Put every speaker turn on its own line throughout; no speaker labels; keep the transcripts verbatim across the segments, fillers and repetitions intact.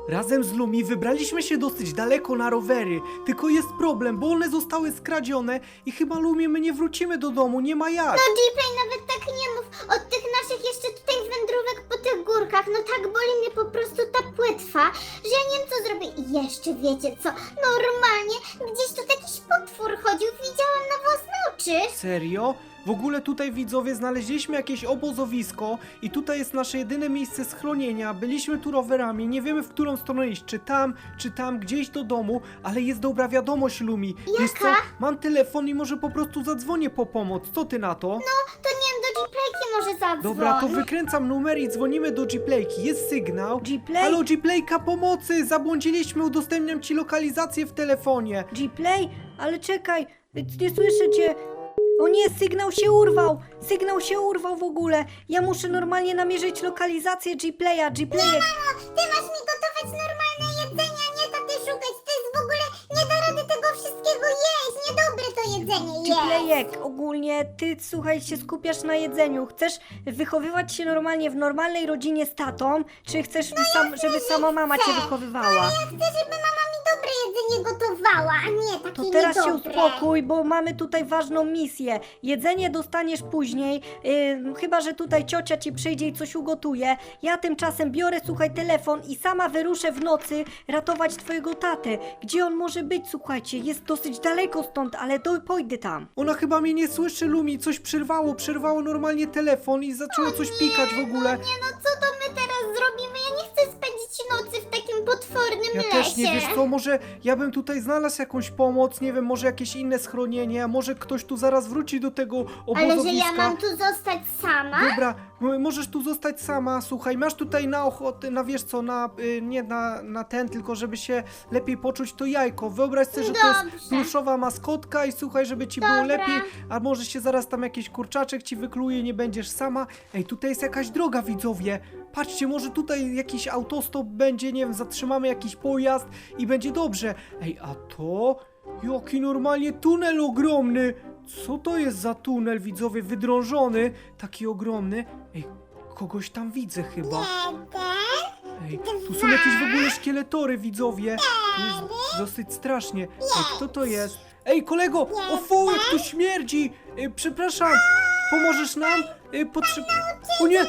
Razem z Lumi wybraliśmy się dosyć daleko na rowery, tylko jest problem, bo one zostały skradzione i chyba Lumi my nie wrócimy do domu, nie ma jak.
No Gplay, nawet tak nie mów. Od tych naszych jeszcze tutaj wędrówek po tych górkach, no tak boli mnie po prostu ta płetwa, że ja nie wiem co zrobię. I jeszcze wiecie co, normalnie gdzieś tu jakiś potwór chodził, widziałam na własne oczy.
Serio? W ogóle tutaj widzowie znaleźliśmy jakieś obozowisko i tutaj jest nasze jedyne miejsce schronienia. Byliśmy tu rowerami, nie wiemy w którą stronę iść, czy tam, czy tam, gdzieś do domu, ale jest dobra wiadomość, Lumi. Wiesz co?
Jaka?
Mam telefon i może po prostu zadzwonię po pomoc. Co ty na to?
No, to nie wiem, do Gplayki może zadzwoń.
Dobra, to wykręcam numer i dzwonimy do Gplayki. Jest sygnał.
Gplay?
Halo Gplayka, pomocy! Zabłądziliśmy, udostępniam ci lokalizację w telefonie.
Gplay? Ale czekaj, nie słyszę cię. O nie, sygnał się urwał! Sygnał się urwał w ogóle! Ja muszę normalnie namierzyć lokalizację Gplaya, Gplayek.
Mamo, ty masz mi gotować normalne jedzenie, a nie taty szukać. To jest w ogóle, nie da rady tego wszystkiego jeść. Niedobre to jedzenie jest.
Gplayek, ogólnie ty, słuchaj, się skupiasz na jedzeniu. Chcesz wychowywać się normalnie w normalnej rodzinie z tatą, czy chcesz, sam, żeby sama mama cię wychowywała?
Ja chcę, żeby mama mi dobre jedzenie gotowała, a nie takie
To teraz się
niedobre.
uspokój, bo mamy tutaj ważną misję. Jedzenie dostaniesz później, yy, chyba że tutaj ciocia ci przyjdzie i coś ugotuje. Ja tymczasem biorę, słuchaj, telefon i sama wyruszę w nocy ratować twojego tatę. Gdzie on może być, słuchajcie? Jest dosyć daleko stąd, ale do, pójdę tam.
Ona chyba mnie nie słyszy, Lumi. Coś przerwało, przerwało normalnie telefon i zaczęło coś pikać w ogóle.
Nie no, co to my teraz zrobimy? Ja nie chcę spędzić nocy w takim potwornym
Ja
lesie.
też nie, wiesz co, może ja bym tutaj znalazł jakąś pomoc, nie wiem, może jakieś inne schronienie, a może ktoś tu zaraz wróci do tego
Ale
obozowiska.
że ja mam tu zostać sama?
Dobra, m- możesz tu zostać sama, słuchaj, masz tutaj na ochotę, na wiesz co, na, y, nie na, na ten, tylko żeby się lepiej poczuć, to jajko. Wyobraź sobie, że to jest
Dobrze.
pluszowa maskotka i słuchaj, żeby ci było
Dobra.
lepiej, a może się zaraz tam jakiś kurczaczek ci wykluje, nie będziesz sama. Ej, tutaj jest jakaś droga, widzowie. Patrzcie, może tutaj jakiś autostop będzie, nie wiem, zatrzymamy jakiś pojazd i będzie dobrze. Ej, a to? Jaki normalnie tunel ogromny! Co to jest za tunel, widzowie, wydrążony? Taki ogromny. Ej, kogoś tam widzę chyba.
Jeden.
Ej, tu są jakieś w ogóle szkieletory, widzowie. To jest dosyć strasznie. Ej, kto to jest? Ej, kolego! O fu, jak tu śmierdzi! Ej, przepraszam, pomożesz nam? Ej, potrze... O nie!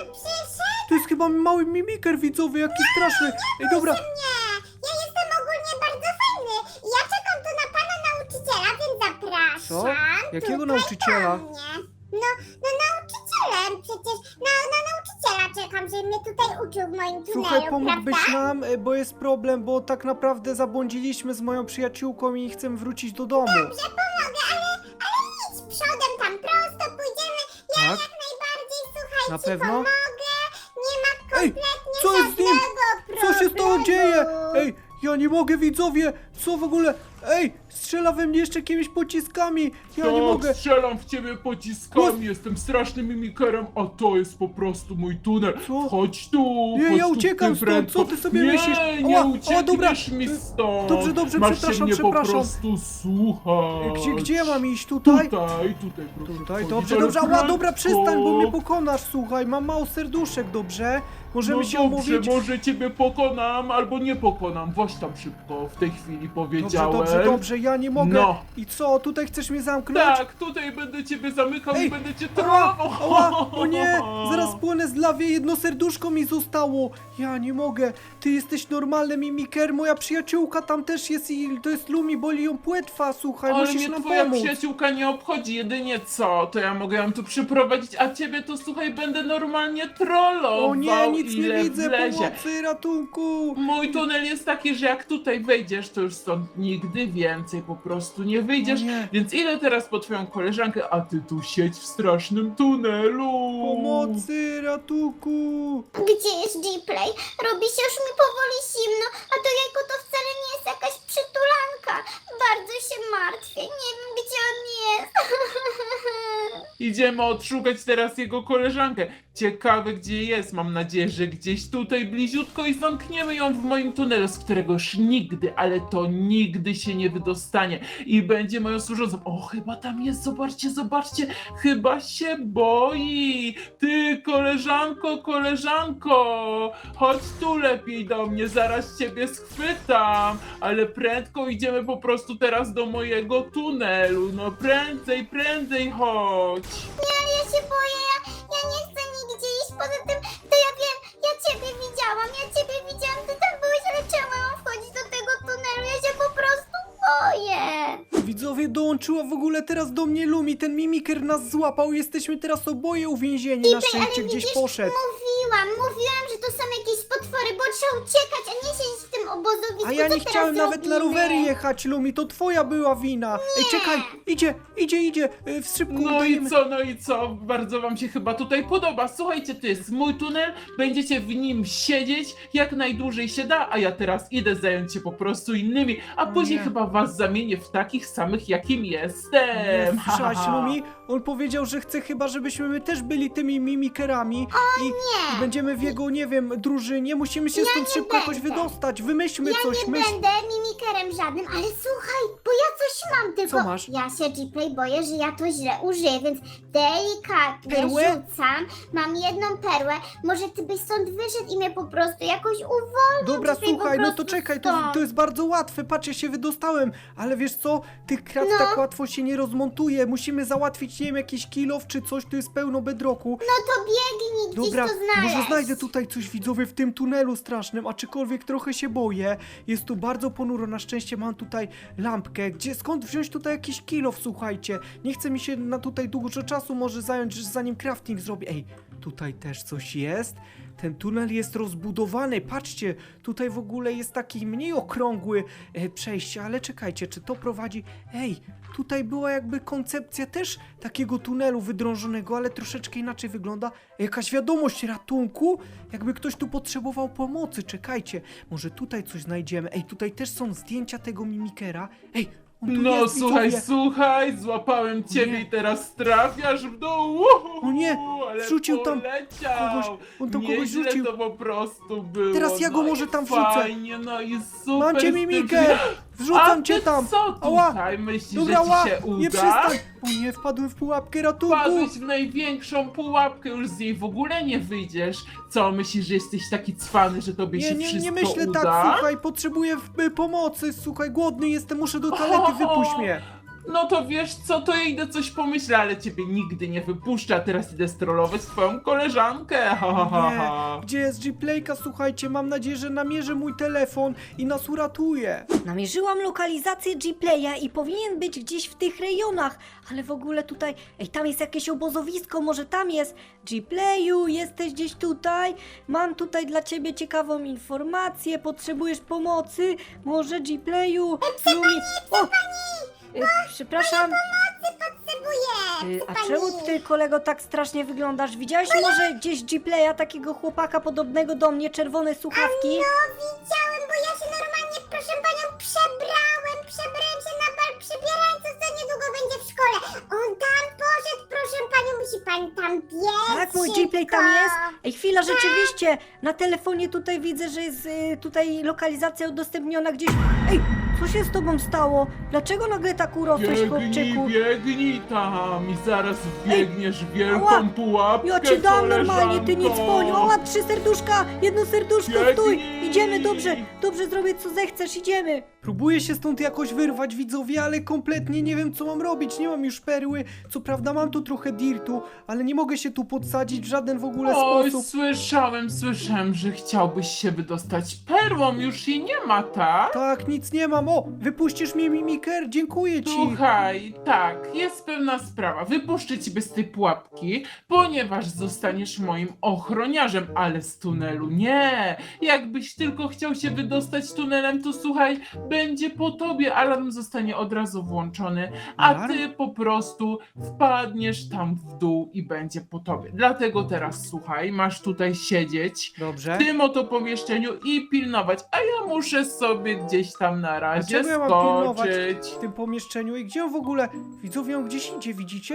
To jest chyba mały mimiker, widzowie, jaki straszny. Ej, dobra.
Nie, ja jestem ogólnie bardzo fajny. Ja czekam tu na pana nauczyciela, więc zapraszam.
Co? Jakiego
tutaj
nauczyciela?
do mnie. No, no nauczycielem przecież. Na, na nauczyciela czekam, żeby mnie tutaj uczył w moim tunelu,
Słuchaj, pomógłbyś
prawda?
nam, e, bo jest problem, bo tak naprawdę zabłądziliśmy z moją przyjaciółką i chcemy wrócić do domu.
Dobrze, pomogę, ale, ale idź przodem tam prosto, pójdziemy. Ja
Tak?
jak najbardziej, słuchaj,
Na
ci
pewno?
pomogę. Nie ma
Ej,
kompletnie
co jest z nim?
żadnego
Co się z tobą
problemu.
dzieje? Ej, ja nie mogę, widzowie! Co w ogóle? Ej, strzela we mnie jeszcze jakimiś pociskami! Ja nie
Tak,
mogę!
strzelam w ciebie pociskami, jestem strasznym mimikerem, a to jest po prostu mój tunel.
Co?
Chodź tu,
Nie,
chodź
ja
tu,
uciekam
ty
stąd,
prędko.
co ty sobie
nie,
myślisz?
Nie,
Ała,
nie
ała, dobra.
uciekniesz mi stąd.
Dobrze, dobrze,
Masz
przepraszam,
się mnie
przepraszam.
po prostu słuchać.
Gdzie, gdzie ja mam iść? Tutaj?
Tutaj, tutaj, proszę
Tutaj,
wchodzić,
dobrze,
ale
dobrze, ała,
prędko.
dobra, przestań, bo mnie pokonasz, słuchaj, mam mało serduszek, dobrze? Możemy
No
się
dobrze,
umówić?
może ciebie pokonam, albo nie pokonam. Właź tam szybko, w tej chwili
Dobrze,
powiedziałem.
dobrze, dobrze, ja nie mogę.
No.
I co, tutaj chcesz mnie zamknąć?
Tak, tutaj będę ciebie zamykał
Ej,
i będę cię
Ała,
trollował.
ała, o nie, zaraz płynę z lawie, jedno serduszko mi zostało. Ja nie mogę, ty jesteś normalny mimiker, moja przyjaciółka tam też jest i to jest Lumi, boli ją płetwa, słuchaj,
Ale
musisz
mnie
nam
twoja
pomóc.
przyjaciółka nie obchodzi, jedynie co, to ja mogę ją tu przyprowadzić, a ciebie to słuchaj, będę normalnie trollował.
O nie, nic
ile
nie widzę,
wlezie.
pomocy, ratunku.
Mój tunel jest taki, że jak tutaj wejdziesz, to już stąd nigdy więcej po prostu nie wyjdziesz,
O nie.
więc idę teraz po twoją koleżankę, a ty tu siedź w strasznym tunelu.
Pomocy, ratunku.
Gdzie jest Gplay? Robi się już mi powoli zimno, a to jajko to wcale nie jest jakaś przytulanka. Bardzo się martwię, nie wiem gdzie on jest.
Idziemy odszukać teraz jego koleżankę. Ciekawe gdzie jest, mam nadzieję, że gdzieś tutaj bliziutko i zamkniemy ją w moim tunelu, z którego już nigdy, ale to nigdy się nie wydostanie i będzie moją służącą. O, chyba tam jest, zobaczcie, zobaczcie, chyba się boi. Ty, koleżanko, koleżanko, chodź tu lepiej do mnie, zaraz ciebie schwytam, ale prędko idziemy po prostu teraz do mojego tunelu, no prędzej, prędzej chodź.
Nie, ja się boję, ja, ja nie chcę nigdzie iść, poza tym, to ja wiem, ja ciebie widziałam, ja ciebie widziałam, ty tam byłeś, ale czemu ja mam wchodzić do tego tunelu, ja się po prostu boję.
Widzowie, dołączyła w ogóle teraz do mnie Lumi, ten mimiker nas złapał, jesteśmy teraz oboje uwięzieni, na szczęście gdzieś
widzisz,
poszedł.
Mówiłam, mówiłam, że to są jakieś potwory, bo trzeba uciekać, a nie siedzieć w tym obozowisku.
A ja
Co
nie
teraz
chciałem nawet na
zrobimy?
rowery jechać, Lumi, to twoja była wina. Ej, czekaj, idzie, idzie, idzie, y, w szybku
No
udajemy.
i co, no i co? Bardzo wam się chyba tutaj podoba. Słuchajcie, to jest mój tunel, będziecie w nim siedzieć jak najdłużej się da, a ja teraz idę zająć się po prostu innymi, a
O
później
nie.
chyba was zamienię w takich samych, jakim
Nie,
jestem. Ha, ha,
słyszałaś,
ha.
Lumi? On powiedział, że chce chyba, żebyśmy my też byli tymi mimikerami i,
nie.
i będziemy w jego, nie wiem, drużynie. Musimy się stąd
nie
szybko jakoś
będę.
wydostać. Wymyślmy
Ja
coś,
nie
myśl.
będę mimikerem żadnym, ale słuchaj, bo ja coś mam, tylko
Co masz?
ja się G-Play boję, że ja to źle użyję, więc delikatnie
Perłę?
rzucam, mam jedną perłę, może ty byś stąd wyszedł i mnie po prostu jakoś uwolnił.
Dobra,
G-Play, po
słuchaj, no to
prostu
czekaj, to,
stąd.
to jest bardzo łatwe. Patrz, ja się wydostałem, ale wiesz co? Tych krat
No.
tak łatwo się nie rozmontuje. Musimy załatwić, nie wiem, jakiś kilof czy coś, tu jest pełno bedroku.
No to biegnij gdzieś
Dobra,
to znaleźć.
może znajdę tutaj coś, widzowie, w tym tunelu strasznym, aczkolwiek trochę się boję. Jest tu bardzo ponuro, na szczęście mam tutaj lampkę. Gdzie, skąd wziąć tutaj jakiś kilof, słuchajcie? Nie chce mi się na tutaj dużo czasu może zająć, zanim crafting zrobię. Ej, tutaj też coś jest. Ten tunel jest rozbudowany, patrzcie, tutaj w ogóle jest taki mniej okrągły e, przejście, ale czekajcie, czy to prowadzi... Ej, tutaj była jakby koncepcja też takiego tunelu wydrążonego, ale troszeczkę inaczej wygląda. Jakaś wiadomość ratunku, jakby ktoś tu potrzebował pomocy, czekajcie, może tutaj coś znajdziemy. Ej, tutaj też są zdjęcia tego mimikera. Ej, on tu
No
jest,
słuchaj,
widzowie.
słuchaj, złapałem ciebie
Nie.
i teraz trafiasz w dół.
O nie,
ale
wrzucił tam
poleciał.
kogoś, on tam kogoś
Nieźle
rzucił.
to po prostu było.
Teraz ja go
no
może
i
tam wrzucę.
Fajnie, no i super.
Mam cię,
z tym,
mimiker!
że-
Wrzucam
A
cię
ty
tam!
co
Ała!
tutaj? Myślisz,
Dobra,
że
ła!
ci się uda?
Nie przestań! O nie, wpadłem w pułapkę ratunku!
Wpadłeś w największą pułapkę, już z niej w ogóle nie wyjdziesz. Co, myślisz, że jesteś taki cwany, że tobie
Nie,
się
nie,
wszystko
nie myślę
uda?
tak, słuchaj, potrzebuję w- y, pomocy, słuchaj, głodny jestem, muszę do toalety, wypuść mnie!
No to wiesz co, to ja idę coś pomyślę, ale ciebie nigdy nie wypuszczę, a teraz idę strollować twoją koleżankę. Ha, ha, ha, ha.
Nie, gdzie jest G-Playka, słuchajcie, mam nadzieję, że namierzy mój telefon i nas uratuje.
Namierzyłam lokalizację G-Playa i powinien być gdzieś w tych rejonach, ale w ogóle tutaj, ej, tam jest jakieś obozowisko, może tam jest. G-Playu, jesteś gdzieś tutaj? Mam tutaj dla ciebie ciekawą informację, potrzebujesz pomocy? Może G-Playu? Lumi... O! Y, Przepraszam,
Potrzebuję!
y, a czemu ty, kolego, tak strasznie wyglądasz? Widziałeś może gdzieś G-Playa, takiego chłopaka podobnego do mnie, czerwone słuchawki?
No widziałem, bo ja się normalnie, proszę panią, przebrałem, przebrałem się na bal przebierańców, co niedługo będzie w szkole. On tam poszedł, proszę panią, musi pani tam biec.
Tak, mój
szybko.
G-Play tam jest. Ej, chwila, rzeczywiście, na telefonie tutaj widzę, że jest y, tutaj lokalizacja udostępniona gdzieś. Ej, co się z tobą stało? Dlaczego nagle tak urosłeś,
Biegnij,
chłopczyku?
biegnij tam i zaraz wbiegniesz w wielką
ała,
pułapkę,
Ja ci dam normalnie, ty nic
koleżanko.
poniu. Ała, trzy serduszka, jedno serduszko,
Biegnij.
stój. Idziemy, dobrze, dobrze zrobię co zechcesz, idziemy.
Próbuję się stąd jakoś wyrwać, widzowie, ale kompletnie nie wiem, co mam robić. Nie mam już perły. Co prawda mam tu trochę dirtu, ale nie mogę się tu podsadzić w żaden w ogóle
Oj,
sposób.
słyszałem, słyszałem, że chciałbyś się wydostać perłą, już jej nie ma, tak?
Tak, nic nie mam. O, wypuścisz mnie, mimiker? Dziękuję ci.
Słuchaj, tak, jest pewna sprawa. Wypuszczę ciebie z tej pułapki, ponieważ zostaniesz moim ochroniarzem, ale z tunelu nie. Jakbyś tylko chciał się wydostać tunelem, to słuchaj, będzie po tobie, alarm zostanie od razu włączony, a
Alarm?
ty po prostu wpadniesz tam w dół i będzie po tobie. Dlatego teraz słuchaj, masz tutaj siedzieć
Dobrze.
w tym oto pomieszczeniu i pilnować, a ja muszę sobie gdzieś tam na razie
Dlaczego ja mam pilnować
skoczyć.
w tym pomieszczeniu? I gdzie on w ogóle? Widzowie, on gdzieś idzie, widzicie?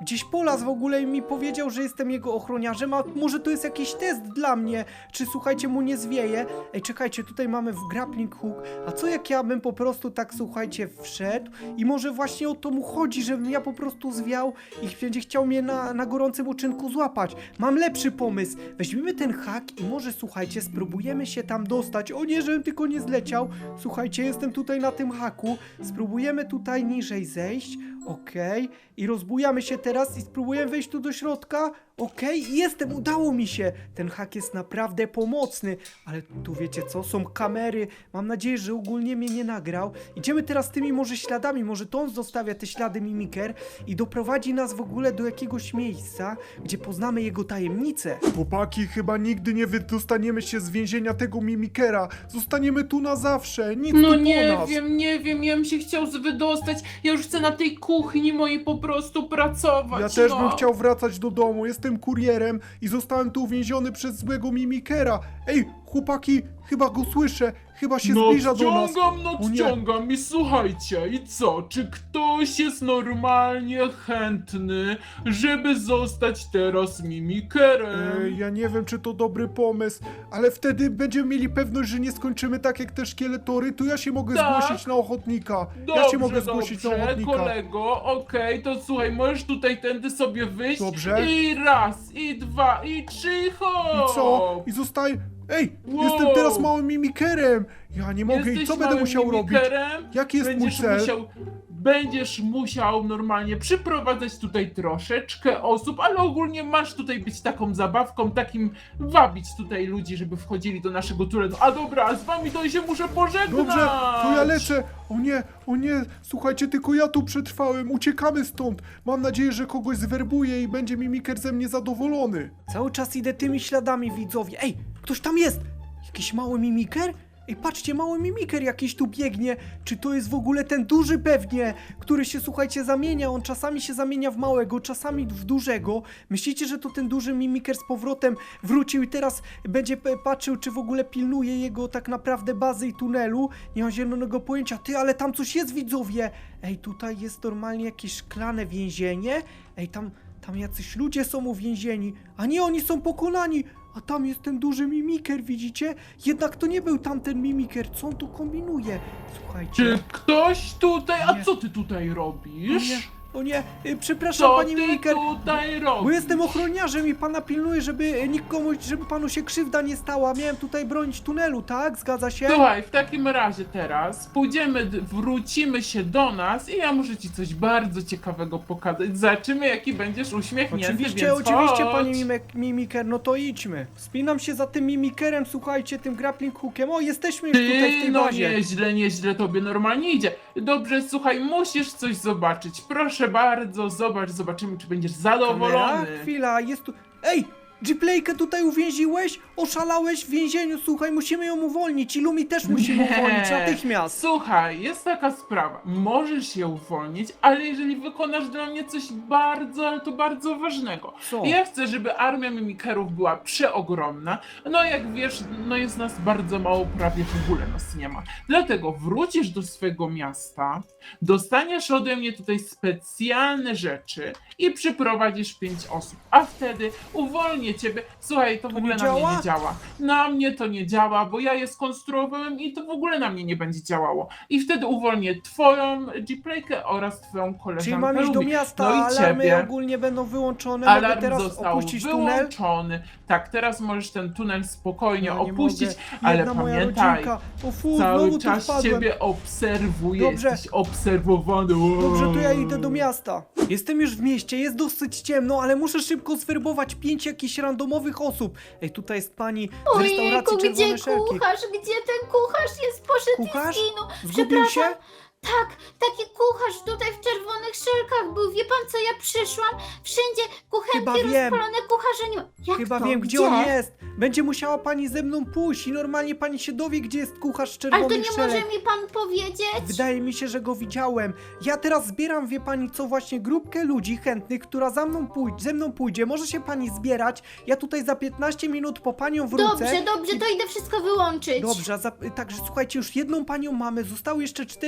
gdzieś polazł w ogóle i mi powiedział, że jestem jego ochroniarzem, a może to jest jakiś test dla mnie, czy słuchajcie, mu nie zwieje. Ej, czekajcie, tutaj mamy w grappling hook, a co jak ja bym po prostu tak, słuchajcie, wszedł i może właśnie o to mu chodzi, żebym ja po prostu zwiał i będzie chciał mnie na, na gorącym uczynku złapać. Mam lepszy pomysł, weźmiemy ten hak i może, słuchajcie, spróbujemy się tam dostać. O nie, żebym tylko nie zleciał. Słuchajcie, jestem tutaj na tym haku, spróbujemy tutaj niżej zejść, okej, i rozbujamy się teraz i spróbujemy wejść tu do środka, okej, i jestem, udało mi się. Ten hak jest naprawdę pomocny, ale tu wiecie co, są kamery, mam nadzieję, że ogólnie mnie nie nagrał. Idziemy teraz tymi może śladami, może to on zostawia te ślady Mimiker i doprowadzi nas w ogóle do jakiegoś miejsca, gdzie poznamy jego tajemnicę.
Chłopaki, chyba nigdy nie wydostaniemy się z więzienia tego Mimikera. Zostaniemy tu na zawsze, nic
No
tu
nie
po nas.
wiem, nie wiem, ja bym się chciał z- wydostać. Ja już chcę na tej kuchni mojej po prostu pracować.
Ja też
no.
bym chciał wracać do domu, jestem kurierem i zostałem tu uwięziony przez złego Mimikera. Ej, chłopaki, chyba go słyszę, chyba się zbliża do nas.
Nadciągam,
O nie.
nadciągam i słuchajcie, i co? Czy ktoś jest normalnie chętny, żeby zostać teraz mimikerem?
Ej, ja nie wiem, czy to dobry pomysł, ale wtedy będziemy mieli pewność, że nie skończymy tak jak te szkieletory, to ja się mogę
Tak.
zgłosić na ochotnika.
Dobrze,
ja się mogę zgłosić
dobrze,
na ochotnika.
kolego, okej, to słuchaj, możesz tutaj tędy sobie wyjść.
Dobrze.
I raz, i dwa, i trzy, i hop!
I co? I zostaje... Ej,
Wow.
jestem teraz małym mimikerem! Ja nie mogę,
Jesteś
i co będę
małym
musiał robić?
mimikerem?
Jaki jest mój
Będziesz
cel?
musiał, będziesz musiał normalnie przyprowadzać tutaj troszeczkę osób, ale ogólnie masz tutaj być taką zabawką, takim wabić tutaj ludzi, żeby wchodzili do naszego tunelu. A dobra, z wami to się muszę pożegnać!
Dobrze, to ja lecę! O nie, o nie, słuchajcie, tylko ja tu przetrwałem, uciekamy stąd! Mam nadzieję, że kogoś zwerbuję i będzie mimiker ze mnie zadowolony.
Cały czas idę tymi śladami, widzowie. Ej, ktoś tam jest! Jakiś mały mimiker? Ej, patrzcie, mały mimiker jakiś tu biegnie. Czy to jest w ogóle ten duży pewnie, który się, słuchajcie, zamienia? On czasami się zamienia w małego, czasami w dużego. Myślicie, że to ten duży mimiker z powrotem wrócił i teraz będzie p- patrzył, czy w ogóle pilnuje jego tak naprawdę bazy i tunelu? Nie mam zielonego pojęcia. Ty, ale tam coś jest, widzowie! Ej, tutaj jest normalnie jakieś szklane więzienie. Ej, tam, tam jacyś ludzie są uwięzieni. A nie, oni są pokonani! A tam jest ten duży mimiker, widzicie? Jednak to nie był tamten mimiker, co on tu kombinuje? Słuchajcie.
Czy ktoś tutaj,
Nie.
a co ty tutaj
O nie,
robisz?
o nie, y, przepraszam,
Co
panie
ty
mimiker.
tutaj robisz?
Bo jestem ochroniarzem i pana pilnuję, żeby nikomu, żeby panu się krzywda nie stała. Miałem tutaj bronić tunelu, tak? Zgadza się?
Słuchaj, w takim razie teraz pójdziemy, d- wrócimy się do nas i ja muszę ci coś bardzo ciekawego pokazać. Zobaczymy, jaki będziesz uśmiechnięty,
Oczywiście,
więc
oczywiście,
chodź.
panie mimek, mimiker, no to idźmy. Wspinam się za tym mimikerem, słuchajcie, tym grappling hookiem. O, jesteśmy już tutaj w
Ty,
tej
no
bazie.
nieźle, nieźle tobie normalnie idzie. Dobrze, słuchaj, musisz coś zobaczyć. Proszę bardzo, zobacz, zobaczymy, czy będziesz zadowolony.
Kamera? Chwila, jest tu... Ej! G-Playkę tutaj uwięziłeś? Oszalałeś w więzieniu, słuchaj, musimy ją uwolnić i Lumi też musimy
Nie.
uwolnić natychmiast.
Słuchaj, jest taka sprawa. Możesz je uwolnić, ale jeżeli wykonasz dla mnie coś bardzo, ale to bardzo ważnego.
Co?
Ja chcę, żeby armia mimikerów była przeogromna. No jak wiesz, no jest nas bardzo mało, prawie w ogóle nas nie ma. Dlatego wrócisz do swojego miasta, dostaniesz ode mnie tutaj specjalne rzeczy i przyprowadzisz pięć osób. A wtedy uwolnię ciebie. Słuchaj, to w
To
ogóle
nie
na mnie
działa?
nie działa. Na mnie to nie działa, bo ja je skonstruowałem i to w ogóle na mnie nie będzie działało. I wtedy uwolnię twoją G-Playkę oraz twoją koleżankę
Czyli mam iść do
Lumi.
miasta,
No i
alarmy
ciebie.
ogólnie będą wyłączone, mogę
Alarm
teraz
został
opuścić tunel?
wyłączony. Tak, teraz możesz ten tunel spokojnie
Ja nie
opuścić,
mogę.
ale
Jedna moja
pamiętaj,
rodzinka. O fu,
cały
znowu tu
czas
wpadłem.
ciebie obserwuję,
Dobrze.
jesteś obserwowany.
Dobrze, to ja idę do miasta. Jestem już w mieście, jest dosyć ciemno, ale muszę szybko zwerbować pięć jakichś randomowych osób. Ej, tutaj jest pani z restauracji
Ojejku,
Czerwone
gdzie
Szelki.
kucharz? Gdzie ten kucharz jest? Poszedł
Kucharz?
i zginął.
Zgubił się?
Przepraszam. Tak, taki kucharz tutaj w czerwonych szelkach był. Wie pan co, ja przyszłam, wszędzie kuchenki
Chyba wiem.
rozpalone, kucharza nie ma. Jak
Chyba
to?
wiem, gdzie, on jest. Będzie musiała pani ze mną pójść i normalnie pani się dowie, gdzie jest kucharz z
Ale to
czerwonych
nie
szelek.
może mi pan powiedzieć?
Wydaje mi się, że go widziałem. Ja teraz zbieram, wie pani co, właśnie grupkę ludzi chętnych, która za mną pójdzie, ze mną pójdzie. Może się pani zbierać. Ja tutaj za piętnaście minut po panią wrócę.
Dobrze, dobrze, to idę wszystko wyłączyć.
Dobrze, za, także słuchajcie, już jedną panią mamy, zostały jeszcze cztery osoby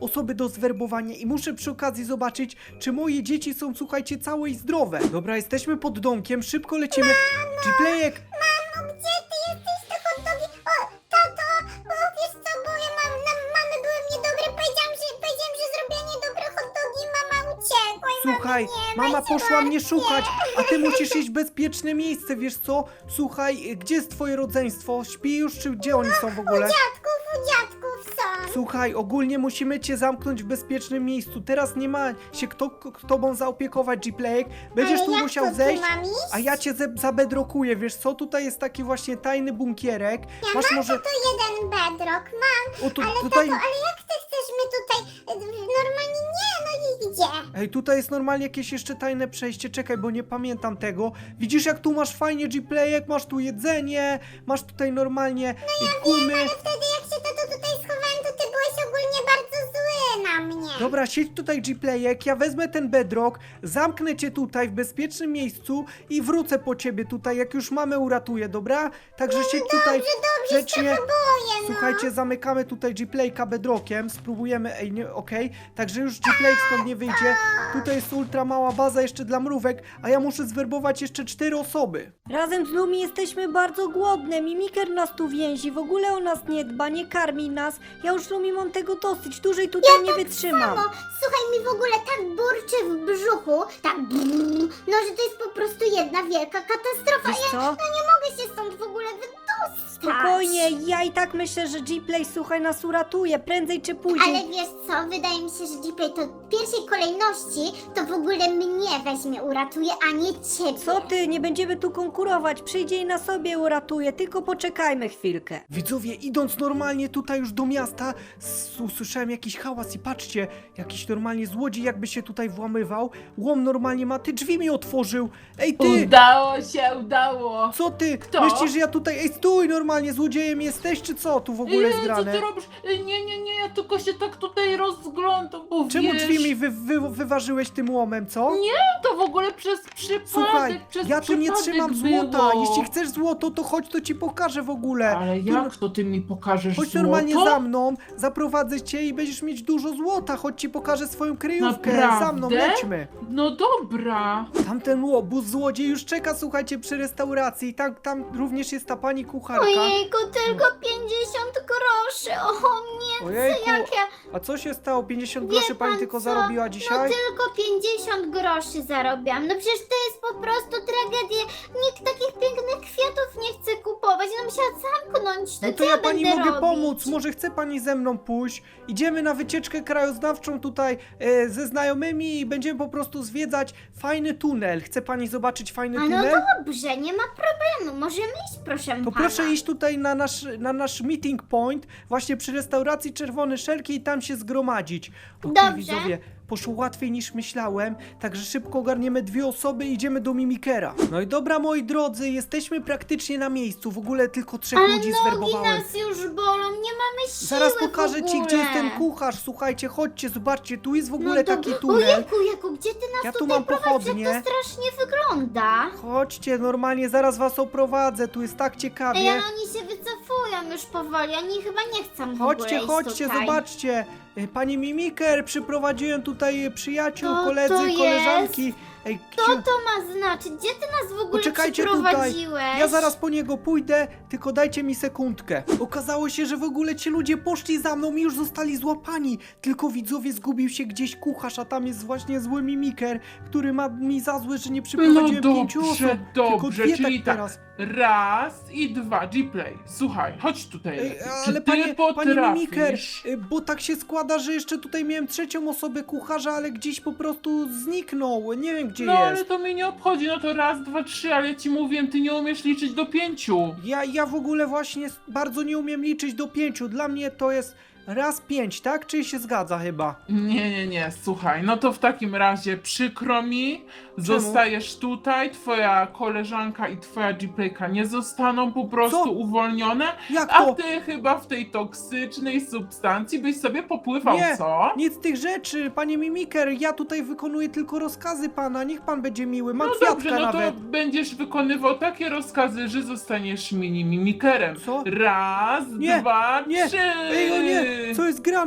osoby do zwerbowania i muszę przy okazji zobaczyć, czy moje dzieci są, słuchajcie, całe i zdrowe. Dobra, jesteśmy pod domkiem, szybko lecimy. Gplayek,
Mamo, gdzie ty jesteś, te hot dogi? O, tato, bo wiesz co, bo ja mam, na mamy były niedobre, powiedziałam, że, powiedziałam, że zrobię niedobre hot dogi, mama uciekła i
słuchaj,
mamy nie ma,
mama
i się
poszła mnie
martwię.
szukać, a ty musisz iść w bezpieczne miejsce, wiesz co? Słuchaj, gdzie jest twoje rodzeństwo? Śpi już, czy gdzie oni są w ogóle?
Dziadków, u dziadków są.
Słuchaj, ogólnie musimy cię zamknąć w bezpiecznym miejscu. Teraz nie ma się kto k- tobą zaopiekować, Gplayek. Będziesz
Ale
tu
jak
musiał
to, tu
zejść,
mam iść?
a ja cię ze- zabedrokuję, wiesz co? Tutaj jest taki właśnie tajny bunkierek. Masz
Mam
może...
tu jeden bedrock, mam.
O, tu,
Ale
tutaj...
tato, ale jak ty chcesz mnie tutaj, e, normalnie nie, no i gdzie?
Ej, tutaj jest normalnie jakieś jeszcze tajne przejście. Czekaj, bo nie pamiętam tego. Widzisz, jak tu masz fajnie, Gplayek? Masz tu jedzenie, masz tutaj normalnie no gumy.
Ale wtedy jak się tato tutaj schowałem, to ty byłeś ogólnie bardzo zły na mnie.
Dobra, siedź tutaj, Gplayek, ja wezmę ten bedrock, zamknę cię tutaj w bezpiecznym miejscu i wrócę po ciebie tutaj, jak już mamę uratuję, dobra? Także siedź tutaj
Dobrze, dobrze, się
grzecznie.
trochę boję, no.
Słuchajcie, zamykamy tutaj Gplayka bedrockiem, spróbujemy, ej, nie, okej, także już Gplayk stąd nie wyjdzie. Tutaj jest ultra mała baza jeszcze dla mrówek, a ja muszę zwerbować jeszcze cztery osoby.
Razem z Lumi jesteśmy bardzo głodne. Mimiker nas tu więzi, w ogóle o nas nie dba, nie karmi nas. Ja już Lumi mam tego dosyć, dłużej tutaj nie wytrzymam.
Mamo, słuchaj, mi w ogóle tak burczy w brzuchu, tak brrr, no że to jest po prostu jedna wielka katastrofa.
Wiesz
Ja
co?
no nie mogę się stąd w ogóle wydostać.
Spokojnie, ja i tak myślę, że Gplay, słuchaj, nas uratuje, prędzej czy później.
Ale wiesz co, wydaje mi się, że Gplay to w pierwszej kolejności to w ogóle mnie weźmie, uratuje, a nie ciebie.
Co ty, nie będziemy tu konkurować, przyjdzie i na sobie uratuje, tylko poczekajmy chwilkę.
Widzowie, idąc normalnie tutaj już do miasta, s- usłyszałem jakiś hałas i patrzcie, jakiś normalnie złodziej jakby się tutaj włamywał. Łom normalnie ma, ty drzwi mi otworzył. Ej ty,
Udało się, udało.
co ty?
Kto?
Myślisz, że ja tutaj, ej stój normalnie, złodziejem jesteś czy co tu w ogóle jest
Ej, co
grane?
ty robisz? Ej, Nie, nie, nie, ja tylko się tak tutaj rozglądam, bo
Czemu
wiesz,
drzwi mi wy, wy, wyważyłeś tym łomem, co?
Nie, to w ogóle przez przypadek,
Słuchaj,
przez
ja tu nie
przypadek
trzymam
było.
złota. Jeśli chcesz złoto, to chodź, to ci pokażę w ogóle.
Ale
Tu-
jak to ty mi pokażesz
Chodź
złoto?
normalnie za mną, zaprowadzę cię i będziesz mieć dużo złota. Chodź ci pokażę swoją kryjówkę.
Naprawdę?
Za mną, lećmy.
No dobra.
Tamten łobuz złodziej już czeka, słuchajcie, przy restauracji. Tam, tam również jest ta pani kucharka.
Ojejku, tylko pięćdziesiąt groszy, o nie,
Ojejku,
jak ja...
a co się stało? pięćdziesiąt
Wie
groszy pani
pan
tylko
co?
zarobiła dzisiaj?
No tylko pięćdziesiąt groszy zarobiłam. No przecież to jest po prostu tragedia. Nikt takich pięknych kwiatów nie chce kupować. No musiała zamknąć. To,
No to
co
ja pani
będę
mogę
robić?
pomóc, może chce pani ze mną pójść? Idziemy na wycieczkę krajoznawczą tutaj e, ze znajomymi i będziemy po prostu zwiedzać fajny tunel. Chce pani zobaczyć fajny
A no
tunel?
dobrze, nie ma problemu. Możemy iść, proszę
To
pana.
proszę iść tutaj na nasz, na nasz meeting point, właśnie przy restauracji Czerwone Szelki i tam się zgromadzić. Okej,
Dobrze.
widzowie, poszło łatwiej niż myślałem, także szybko ogarniemy dwie osoby i idziemy do Mimikera. No i dobra, moi drodzy, jesteśmy praktycznie na miejscu, w ogóle tylko trzech
Ale
ludzi
nogi
zwerbowałem.
nas już bolą, nie mamy siły
Zaraz
w
pokażę ci,
ogóle.
gdzie jest ten kucharz. Słuchajcie, chodźcie, zobaczcie, tu jest w ogóle
No
taki
dobra.
tunel.
Ojejku, Jaku, gdzie ty nas
Ja tu
tutaj
mam
prowadzisz?
pochodnie.
Jak to strasznie wygląda.
Chodźcie, normalnie zaraz was oprowadzę, tu jest tak ciekawie.
Ej, ale oni się wycofują już powoli, oni chyba nie chcą w
Chodźcie,
ogóle
chodźcie,
iść tutaj.
zobaczcie. E, Pani Mimiker, przyprowadziłem tutaj przyjaciół,
Co
koledzy,
to jest?
koleżanki. Ej,
Co
księ-
to ma znaczyć? Gdzie ty nas w ogóle
Poczekajcie tutaj.
przyprowadziłeś?
Ja zaraz po niego pójdę, tylko dajcie mi sekundkę. Okazało się, że w ogóle ci ludzie poszli za mną i już zostali złapani. Tylko widzowie, zgubił się gdzieś kucharz, a tam jest właśnie zły Mimiker, który ma mi za złe, że nie
No
przyprowadziłem pięciu osób.
dobrze,
Tylko
dobrze,
dwie
czyli
tak
tak.
teraz.
Raz i dwa, Gplay. Słuchaj, chodź tutaj.
Ej,
lepiej.
ale
Czy ty
panie, panie
potrafisz?
Mimiker, y, bo tak się składa, że jeszcze tutaj miałem trzecią osobę kucharza, ale gdzieś po prostu zniknął. Nie wiem gdzie
No ale
jest.
to mnie nie obchodzi, no to raz, dwa, trzy, ale ja ci mówiłem, ty nie umiesz liczyć do pięciu.
Ja, ja w ogóle właśnie s- bardzo nie umiem liczyć do pięciu. Dla mnie to jest raz pięć, tak? Czy się zgadza chyba?
Nie, nie, nie, słuchaj, no to w takim razie przykro mi, zostajesz tutaj, twoja koleżanka i twoja Gplayka nie zostaną po prostu
Co?
uwolnione,
Jak
a
to?
ty chyba w tej toksycznej substancji byś sobie popływał,
Nie,
co?
nic z tych rzeczy, panie Mimiker, ja tutaj wykonuję tylko rozkazy pana, niech pan będzie miły, mam
No
kwiatka
dobrze, no
nawet.
to będziesz wykonywał takie rozkazy, że zostaniesz mini mimikerem.
Co?
Raz,
Nie,
dwa,
nie,
trzy.
Ej, o nie, co jest grane?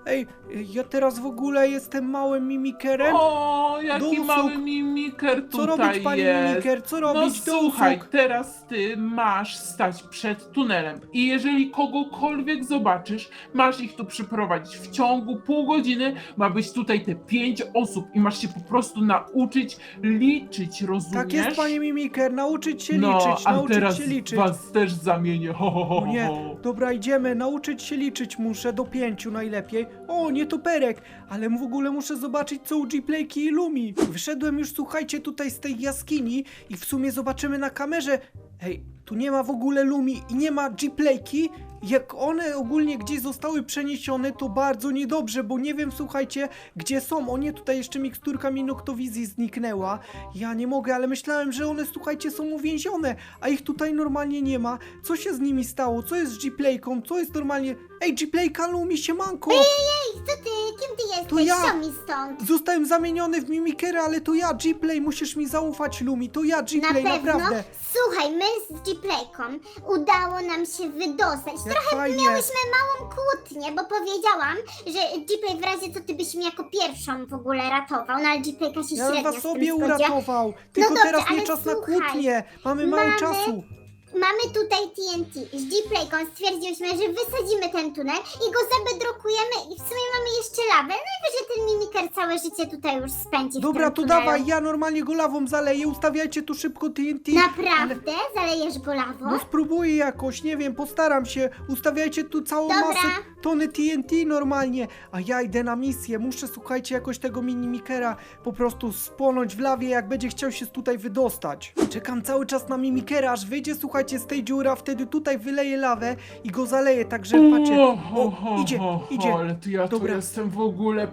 Ej, ja teraz w ogóle jestem małym mimikerem.
O, jaki
Dowód.
mały mimiker
Co
tutaj
robić, panie
jest.
mimiker? Co
No
robić?
słuchaj,
Dowód.
teraz ty masz stać przed tunelem i jeżeli kogokolwiek zobaczysz, masz ich tu przyprowadzić. W ciągu pół godziny ma być tutaj te pięć osób i masz się po prostu nauczyć liczyć, rozumiesz?
Tak jest, panie mimiker, nauczyć się
no,
liczyć,
a
nauczyć
teraz
się liczyć.
was też zamienię. Ho, ho, ho,
O nie,
ho.
dobra, idziemy, nauczyć się liczyć muszę, do pięciu najlepiej. O, nie toperek, ale w ogóle muszę zobaczyć, co u G-Playki i Lumi. Wyszedłem już, słuchajcie, tutaj z tej jaskini i w sumie zobaczymy na kamerze. Ej, tu nie ma w ogóle Lumi i nie ma G-Playki. Jak one ogólnie gdzieś zostały przeniesione, to bardzo niedobrze, bo nie wiem, słuchajcie, gdzie są. O nie, tutaj jeszcze miksturka mi Noktowizji zniknęła. Ja nie mogę, ale myślałem, że one, słuchajcie, są uwięzione, a ich tutaj normalnie nie ma. Co się z nimi stało? Co jest z G-Playką? Co jest normalnie... Ej, G-Playka, Lumi, siemanko!
Ej, co ty? Kim ty jesteś?
To ja.
Co mi stąd?
Zostałem zamieniony w mimikera, ale to ja, G-Play, musisz mi zaufać, Lumi, to ja,
Na
G-Play,
pewno.
naprawdę.
Słuchaj, my z G-Playką udało nam się wydostać.
Jak fajnie.
Miałyśmy małą kłótnię, bo powiedziałam, że G-Play w razie co ty byś mnie jako pierwszą w ogóle ratował, no ale G-Playka się
Ja
średnio
was
z tym
sobie
zgodzi.
uratował. Tylko
dobrze,
teraz nie
ale
czas na
słuchaj,
kłótnię. Mamy mało
mamy-
czasu.
Mamy tutaj T N T. Z G-Playką stwierdziłyśmy, że wysadzimy ten tunel i go zabedrokujemy i w sumie mamy jeszcze lawę. Najwyżej ten mimiker całe życie tutaj już spędzi w
Dobra,
tym
to
tunelu.
dawaj, ja normalnie go lawą zaleję, ustawiajcie tu szybko T N T.
Naprawdę? Zalejesz go lawą?
No spróbuję jakoś, nie wiem, postaram się. Ustawiajcie tu całą
Dobra.
masę, tony T N T normalnie. A ja idę na misję, muszę, słuchajcie, jakoś tego mimikera po prostu spłonąć w lawie, jak będzie chciał się tutaj wydostać. Czekam cały czas na mimikera, aż wyjdzie, słuchajcie, z tej dziury, a wtedy tutaj wyleję lawę i go zaleję, także patrzcie.
O, ho,
O,
ho,
idzie,
ho,
idzie.
ho, ale to ja
Dobra.
tu jestem w ogóle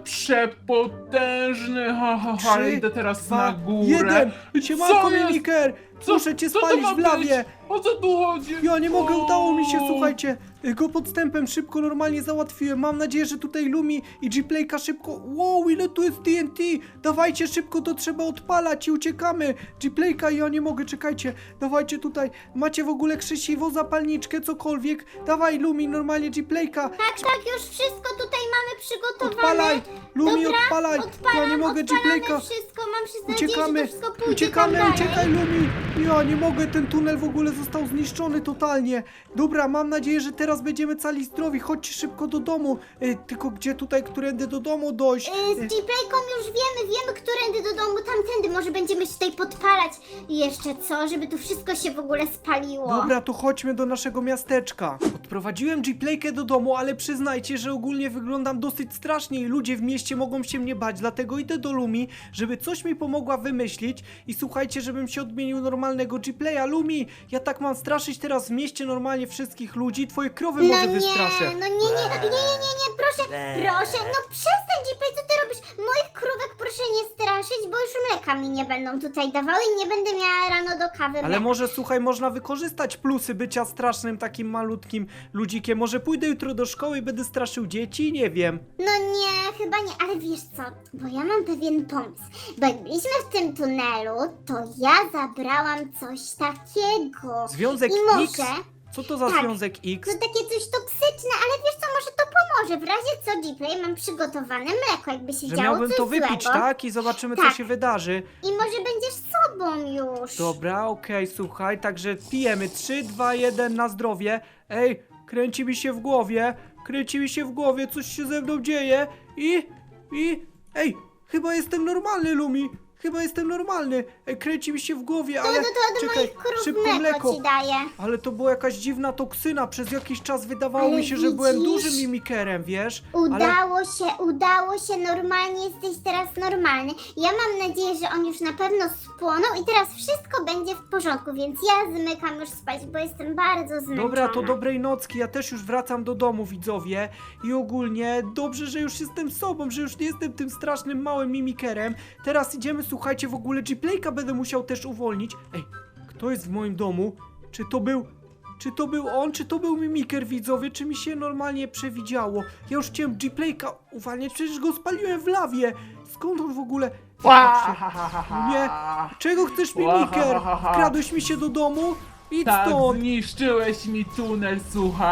przepotężny. Ha, ha, ha, ale
Trzy,
idę teraz
dwa,
na górę.
jeden. Siemanko,
Co jest?
mimiker!
Co-
Muszę cię
co to
spalić
ma
w lawie.
być? O co tu chodzi?
Ja nie mogę,
O.
udało mi się, słuchajcie, go podstępem szybko, normalnie załatwiłem. Mam nadzieję, że tutaj Lumi i G-Playka szybko... Wow, ile tu jest T N T! Dawajcie szybko, to trzeba odpalać i uciekamy. G-Playka, ja nie mogę, czekajcie. Dawajcie tutaj, macie w ogóle krzesiwo, zapalniczkę, cokolwiek. Dawaj, Lumi, normalnie G-Playka.
Tak, tak, już wszystko tutaj mamy przygotowane.
Odpalaj, Lumi,
Dobra,
odpalaj.
odpalam,
Ja nie mogę,
odpalamy
G-Playka.
wszystko, mam się nadzieję,
Uciekamy,
że to wszystko pójdzie
uciekamy,
tam dalej.
uciekaj Lumi! Ja nie mogę, ten tunel w ogóle został zniszczony totalnie. Dobra, mam nadzieję, że teraz będziemy cali zdrowi. Chodźcie szybko do domu. E, tylko gdzie tutaj, którędy do domu dojść?
Y, Z G-Playką już wiemy, wiemy, którędy do domu, tamtędy, może będziemy się tutaj podpalać. I jeszcze co, żeby tu wszystko się w ogóle spaliło.
Dobra, to chodźmy do naszego miasteczka. Odprowadziłem G-Playkę do domu, ale przyznajcie, że ogólnie wyglądam dosyć strasznie i ludzie w mieście mogą się mnie bać, dlatego idę do Lumi, żeby coś mi pomogła wymyślić i słuchajcie, żebym się odmienił normalnego G-Playa. Lumi, ja tak mam straszyć teraz w mieście normalnie wszystkich ludzi, twoje krowy
No
może
nie,
wystraszę.
no nie, nie, nie, nie, nie, nie, proszę, proszę, no przestań G-Play, co ty robisz? Moich krówek proszę nie straszyć, bo już mleka mi nie będą tutaj dawały i nie będę miała rano do kawy
Ale
mleka.
może, słuchaj, można wykorzystać plusy bycia strasznym takim malutkim ludzikiem. Może pójdę jutro do szkoły i będę straszył dzieci? Nie wiem.
No nie, chyba nie, ale wiesz co, bo ja mam pewien pomysł, bo jak byliśmy w tym tunelu, to ja zabrałam coś takiego.
Związek
I
X?
może,
Co to za
Tak.
związek X?
to takie coś toksyczne, ale wiesz co, może to pomoże, w razie co G-Play mam przygotowane mleko, jakby się
Że
działo
miałbym
coś
to wypić,
złego.
tak? I zobaczymy, co
Tak.
się wydarzy.
I może będziesz sobą już.
Dobra, okej, słuchaj, także pijemy. trzy, dwa, jeden na zdrowie. Ej, kręci mi się w głowie. Kręci mi się w głowie, coś się ze mną dzieje. I, i, ej, chyba jestem normalny, Lumi. Chyba jestem normalny. Ej, kręci mi się w głowie,
To,
ale...
to, to do
czekaj,
moich krów
szybko
mleko,
mleko.
ci daję.
Ale to była jakaś dziwna toksyna. Przez jakiś czas wydawało
Ale
mi się, że byłem
widzisz?
dużym mimikerem, wiesz? Ale...
Udało się, udało się, normalnie jesteś teraz normalny. Ja mam nadzieję, że on już na pewno spłonął i teraz wszystko będzie w porządku, więc ja zmykam już spać, bo jestem bardzo zmęczona.
Dobra, to dobrej nocki, ja też już wracam do domu, widzowie. I ogólnie dobrze, że już jestem sobą, że już nie jestem tym strasznym małym mimikerem. Teraz idziemy, słuchajcie, w ogóle G-Playka będę musiał też uwolnić. Ej, kto jest w moim domu? Czy to był... Czy to był on, czy to był mimiker, widzowie? Czy mi się normalnie przewidziało? Ja już chciałem G-Playka uwalniać, przecież go spaliłem w lawie. Skąd on w ogóle... Patrzcie. Nie. Czego chcesz, mimiker? Wkradłeś mi się do domu? Idź
Tak,
stąd.
zniszczyłeś mi tunel, słuchaj.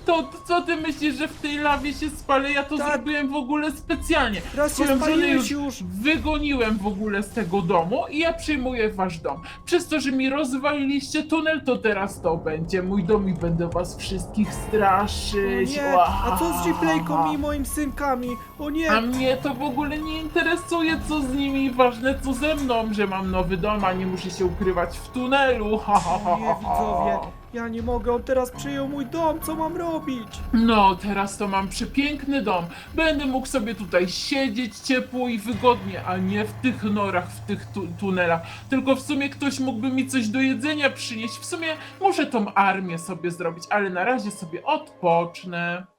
To, to co ty myślisz, że w tej lawie się spalę? Ja to
Tak.
zrobiłem w ogóle specjalnie.
Raz się
Twoją żonę
spaliłeś
już,
już.
wygoniłem w ogóle z tego domu i ja przyjmuję wasz dom. Przez to, że mi rozwaliliście tunel, to teraz to będzie mój dom i będę was wszystkich straszyć.
Nie, a co z G-Playką i moimi synkami? O nie,
A mnie to w ogóle nie interesuje, co z nimi, ważne co ze mną, że mam nowy dom, a nie muszę się ukrywać w tunelu. Ha, ha, ha,
nie
ha, ha.
widzowie, ja nie mogę, on teraz przyjął mój dom, co mam robić?
No, teraz to mam przepiękny dom. Będę mógł sobie tutaj siedzieć ciepło i wygodnie, a nie w tych norach, w tych tu tunelach. Tylko w sumie ktoś mógłby mi coś do jedzenia przynieść. W sumie muszę tą armię sobie zrobić, ale na razie sobie odpocznę.